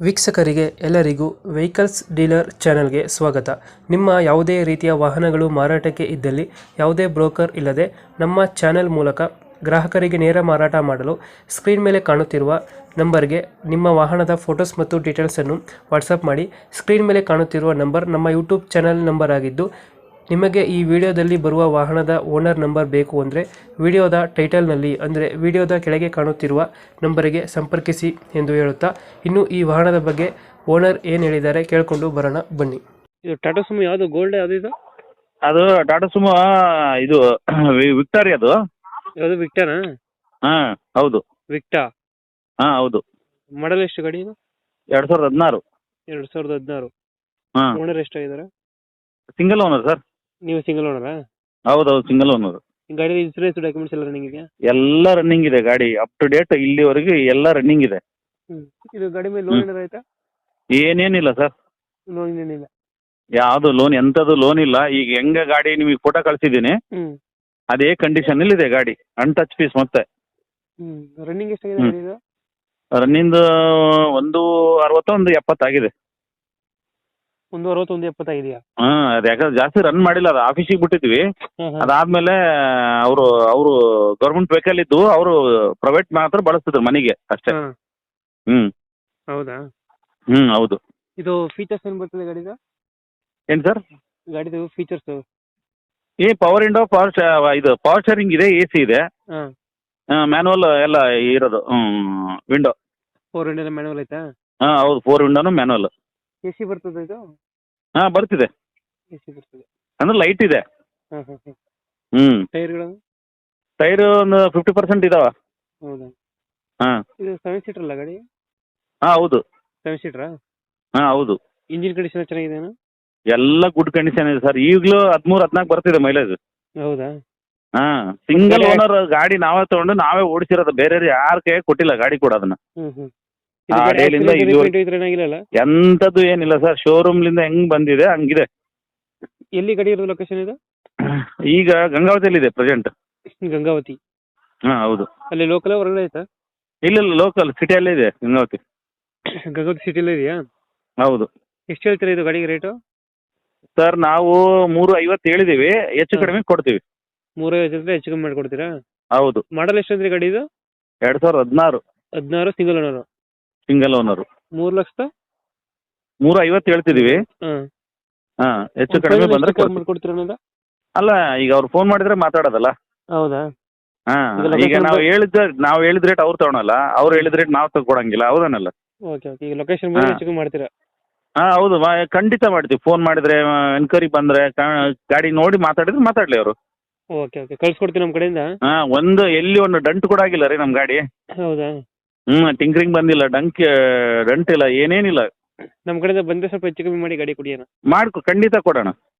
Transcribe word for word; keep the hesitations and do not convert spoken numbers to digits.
ವೀಕ್ಷಕರಿಗೆ ಎಲ್ಲರಿಗೂ vehicles dealer ಚಾನೆಲ್ಗೆ ಸ್ವಾಗತ. ನಿಮ್ಮ ಯಾವುದೇ ರೀತಿಯ ವಾಹನಗಳು ಮಾರಾಟಕ್ಕೆ ಇದ್ದಲ್ಲಿ ಯಾವುದೇ ಬ್ರೋಕರ್ ಇಲ್ಲದೆ ನಮ್ಮ ಚಾನೆಲ್ ಮೂಲಕ ಗ್ರಾಹಕರಿಗೆ ನೇರ ಮಾರಾಟ ಮಾಡಲು ಸ್ಕ್ರೀನ್ ಮೇಲೆ ಕಾಣುತ್ತಿರುವ ನಂಬರ್ಗೆ ನಿಮ್ಮ ವಾಹನದ ಫೋಟೋಸ್ ಮತ್ತು ಡೀಟೇಲ್ಸನ್ನು ವಾಟ್ಸಪ್ ಮಾಡಿ. ಸ್ಕ್ರೀನ್ ಮೇಲೆ ಕಾಣುತ್ತಿರುವ ನಂಬರ್ ನಮ್ಮ ಯೂಟ್ಯೂಬ್ ಚಾನೆಲ್ ನಂಬರ್ ಆಗಿದ್ದು, ನಿಮಗೆ ಈ ವಿಡಿಯೋದಲ್ಲಿ ಬರುವ ವಾಹನದ ಓನರ್ ನಂಬರ್ ಬೇಕು ಅಂದರೆ ವಿಡಿಯೋದ ಟೈಟಲ್ನಲ್ಲಿ ಅಂದರೆ ವಿಡಿಯೋದ ಕೆಳಗೆ ಕಾಣುತ್ತಿರುವ ನಂಬರಿಗೆ ಸಂಪರ್ಕಿಸಿ ಎಂದು ಹೇಳುತ್ತಾ, ಇನ್ನು ಈ ವಾಹನದ ಬಗ್ಗೆ ಓನರ್ ಏನು ಹೇಳಿದ್ದಾರೆ ಕೇಳಿಕೊಂಡು ಬರೋಣ ಬನ್ನಿ. ಇದು ಟಾಟಾ ಸುಮೋ ಯಾವುದು ಗೋಲ್ಡ್ ಯಾವುದು ಇದು? ಅದು ಟಾಟಾ ಸುಮೋ ಇದು ವಿ- ವಿಕ್ಟರಿ ಅದು. ಯಾವುದು ವಿಕ್ಟನಾ? ಹಾಂ ಹೌದು. ವಿಕ್ಟಾ ಹಾಂ ಹೌದು. ಮಾಡಲ್ ಎಷ್ಟು ಗಾಡಿ ಇದು? ಎರಡು ಸಾವಿರದ ಹದಿನಾರು. ಎರಡು ಸಾವಿರದ ಹದಿನಾರು. ಹಾಂ ಓನರ್ ಎಷ್ಟಾಗಿದ್ದಾರೆ? Single owner sir. ನೀವು ಸಿಂಗಲ್ ಓನರಾ? ಹೌದೌದು ಸಿಂಗಲ್ ಓನರ್. ಗಾಡಿ ಇನ್ಸೂರೆನ್ಸ್ ಡಾಕ್ಯುಮೆಂಟ್ಸ್ ಎಲ್ಲ ರನ್ನಿಂಗ್ ಇದೆಯಾ? ಎಲ್ಲ ರನ್ನಿಂಗ್ ಇದೆ ಗಾಡಿ, ಅಪ್ ಟು ಡೇಟ್ ಇಲ್ಲಿವರೆಗೆ ಎಲ್ಲ ರನ್ನಿಂಗ್ ಇದೆ. ಹ್ಞೂ. ಇದು ಗಾಡಿ ಮೇಲೆ ಲೋನ್ ಏನಾರು ಆಯ್ತಾ? ಏನೇನಿಲ್ಲ ಸರ್, ಲೋನ್ ಏನಿಲ್ಲ. ಯಾವುದು ಲೋನ್ ಎಂಥದ್ದು ಲೋನ್ ಇಲ್ಲ. ಈಗ ಹೆಂಗೆ ಗಾಡಿ ನಿಮಗೆ ಫೋಟೋ ಕಳಿಸಿದ್ದೀನಿ ಹ್ಞೂ ಅದೇ ಕಂಡೀಷನ್ ಇದೆ ಗಾಡಿ, ಅನ್ಟಚ್ ಪೀಸ್. ಮತ್ತೆ ಹ್ಞೂ ರನ್ನಿಂಗ್ ಎಷ್ಟಾಗಿದೆ ಹ್ಮ್. ಗಾಡಿ ಇದು? ರನ್ನಿಂಗ್ ಒಂದು ಅರವತ್ತು ಒಂದು ಎಪ್ಪತ್ತಾಗಿದೆ. ಒಂದು ಅರವತ್ತೊಂದು ಎಪ್ಪತ್ತಾಗಿದೆಯಾ? ಹಾಂ ಅದು ಯಾಕಂದ್ರೆ ಜಾಸ್ತಿ ರನ್ ಮಾಡಿಲ್ಲ, ಅದು ಆಫೀಸಿಗೆ ಬಿಟ್ಟಿದ್ವಿ. ಹಾಂ ಹಾಂ. ಅದಾದ್ಮೇಲೆ ಅವರು ಅವರು ಗೌರ್ಮೆಂಟ್ ವೆಹಿಕಲ್ ಇದ್ದು ಅವರು ಪ್ರೈವೇಟ್ ಮಾತ್ರ ಬಳಸ್ತಿದ್ರು ಮನೆಗೆ ಅಷ್ಟೇ. ಹಾಂ ಹ್ಮ್ ಹೌದಾ? ಹ್ಮ್ ಹೌದು. ಇದು ಫೀಚರ್ಸ್ ಏನು ಬರ್ತದೆ ಗಾಡಿದು? ಏನ್ ಸರ್? ಗಾಡಿದು ಫೀಚರ್ಸು? ಈ ಪವರ್ ವಿಂಡೋ, ಪವರ್ ಇದು ಪವರ್ ಶೇರಿಂಗ್ ಇದೆ, ಎ ಸಿ ಇದೆ, ಹಾಂ. ಮ್ಯಾನುವಲ್ ಎಲ್ಲ ಇರೋದು. ವಿಂಡೋ ಫೋರ್ ಹಂಡ್ರೆಡ್ ಮ್ಯಾನುವಲ್ ಐತಾ? ಹಾಂ ಹೌದು, ಫೋರ್ ವಿಂಡೋನು ಮ್ಯಾನುವಲ್. ಎ ಸಿ ಬರ್ತದೆ ಇದು? ಹಾಂ ಬರ್ತಿದೆ, ಎ ಸಿ ಬರ್ತದೆ. ಅಂದ್ರೆ ಲೈಟ್ ಇದೆ. ಹಾಂ ಹಾಂ ಹಾಂ. ಹ್ಮ್ ಟೈರ್ಗಳು? ಟೈರ್ ಒಂದು ಫಿಫ್ಟಿ ಪರ್ಸೆಂಟ್ ಇದಾವ. ಹೌದಾ? ಹಾಂ ಇದು ಸೆವೆನ್ ಸೀಟರ್ ಅಲ್ಲ ಗಾಡಿ? ಹಾಂ ಹೌದು. ಸೆವೆನ್ ಸೀಟ್ರಾ? ಹಾಂ ಹೌದು. ಇಂಜಿನ್ ಕಂಡೀಷನ್ ಚೆನ್ನಾಗಿದೆಯಾ? ಎಲ್ಲ ಗುಡ್ ಕಂಡೀಷನ್ ಇದೆ ಸರ್. ಈಗಲೂ ಹದಿಮೂರು ಹದಿನಾಲ್ಕು ಬರ್ತಿದೆ ಮೈಲೇಜ್. ಹೌದಾ? ಹಾಂ ಸಿಂಗಲ್ ಮತ್ತೆ- ಓನರ್ ಗಾಡಿ ನಾವೇ ತಗೊಂಡು ನಾವೇ ಓಡಿಸಿರೋದು, ಬೇರೆ ಯಾರ ಕೈ ಕೊಟ್ಟಿಲ್ಲ ಗಾಡಿ ಕೂಡ ಅದನ್ನ. ಹ್ಞೂ ಹ್ಞೂ. ಆ ಡೇಲಿಂದ ಇದು ಏನಾಗಿಲ್ಲ? ಎಂಥದ್ದು ಏನಿಲ್ಲ ಸರ್, ಶೋರೂಮ್ಲಿಂದ ಹೆಂಗ್ ಬಂದಿದೆ ಹಂಗಿದೆ. ಎಲ್ಲಿ ಗಾಡಿ ಇರೋದು ಲೊಕೇಶನ್ ಇದು? ಈಗ ಗಂಗಾವತಿಯಲ್ಲಿದೆ ಪ್ರೆಸೆಂಟ್. ಗಂಗಾವತಿ. ಹಾಂ ಹೌದು. ಅಲ್ಲಿ ಲೋಕಲ್ ಹೊರಗಡೆ ಆಯ್ತಾ? ಇಲ್ಲ ಇಲ್ಲ, ಲೋಕಲ್ ಸಿಟಿಯಲ್ಲೇ ಇದೆ ಗಂಗಾವತಿ. ಗಂಗಾವತಿ ಸಿಟಿಲೇ ಇದೆಯಾ? ಹೌದು ಎಷ್ಟು ಹೇಳ್ತೀರಾ ಇದು ಗಾಡಿಗೆ ರೇಟು? ಸರ್, ನಾವು ಮೂರು ಐವತ್ತು ಹೇಳಿದ್ದೀವಿ, ಹೆಚ್ಚು ಕಡಿಮೆ ಕೊಡ್ತೀವಿ. ಮೂರೈವತ್ತು ಜೊತೆ ಹೆಚ್ಚು ಕಮ್ಮಿ ಮಾಡಿಕೊಡ್ತೀರಾ? ಹೌದು. ಮಾಡಲ್ ಎಷ್ಟು ಅಂದ್ರೆ ಗಾಡಿ ಇದು? ಎರಡು ಸಾವಿರದ ಹದಿನಾರು. ಹದಿನಾರು ಸಿಂಗಲ್ ಓನರು. Single owner. ಮೂರು ಲಕ್ಷದ ಮೂರು ಐವತ್ತು ಹೇಳ್ತಿದ್ದೀವಿ. ಹಾಂ. ಹಾಂ ಹೆಚ್ಚು ಕಡಿಮೆ ಬಂದರೆ ಕೊಡ್ತೀವಿ. ಮಾಡಿಕೊಡ್ತೀರಾ ಅನ್ನೋದ? ಅಲ್ಲ, ಈಗ ಅವ್ರು ಫೋನ್ ಮಾಡಿದ್ರೆ ಮಾತಾಡೋದಲ್ಲ. ಹೌದಾ? ಹಾಂ ಈಗ ಈಗ location ನಾವು ಬ- ಹೇಳಿದ ನಾವು ಹೇಳಿದ ರೇಟ್ ಅವ್ರು ತಗೊಳಲ್ಲ, ಅವ್ರು ಹೇಳಿದ ರೇಟ್ ನಾವು ತಗೊಳಂಗಿಲ್ಲ, ಹೌದನಲ್ಲ? Okay okay. ಈಗ ಲೊಕೇಶನ್ ಬಂದು ಹಾಂ. ಹೆಚ್ಚು ಕಮ್ಮಿ ಮಾಡ್ತೀರಾ? ಹಾಂ ಹೌದು, ಮಾ- ಖಂಡಿತ ಮಾಡ್ತೀವಿ. ಫೋನ್ ಮಾಡಿದ್ರೆ, ಎನ್ಕ್ವೈರಿ ಬಂದರೆ, ಗಾಡಿ ನೋಡಿ ಮಾತಾಡಿದ್ರೆ ಮಾತಾಡಲಿ ಅವರು. ಓಕೆ ಓಕೆ, ಕಳ್ಸಿಕೊಡ್ತೀನಿ ನಮ್ಮ ಕಡೆಯಿಂದ. ಹಾಂ ಒಂದು ಎಲ್ಲಿ ಒಂದು ಡಂಟ್ ಕೂಡ ಆಗಿಲ್ಲ ರೀ ನಮ್ಮ ಗಾಡಿ. ಹೌದಾ? ಹ್ಞೂ ಟಿಂಕ್ರಿಂಗ್ ಬಂದಿಲ್ಲ, ಡಂಕ್ ಡಂಟ್ ಇಲ್ಲ, ಏನೇನಿಲ್ಲ. ನಮ್ಮ ಕಡೆಯಿಂದ ಬಂದರೆ ಸ್ವಲ್ಪ ಹೆಚ್ಚು ಕಮ್ಮಿ ಮಾಡಿ ಗಾಡಿ ಕೊಡಿ ಅಣ್ಣ. ಮಾಡ್ಕೊ ಖಂಡಿತ ಕೊಡೋಣ.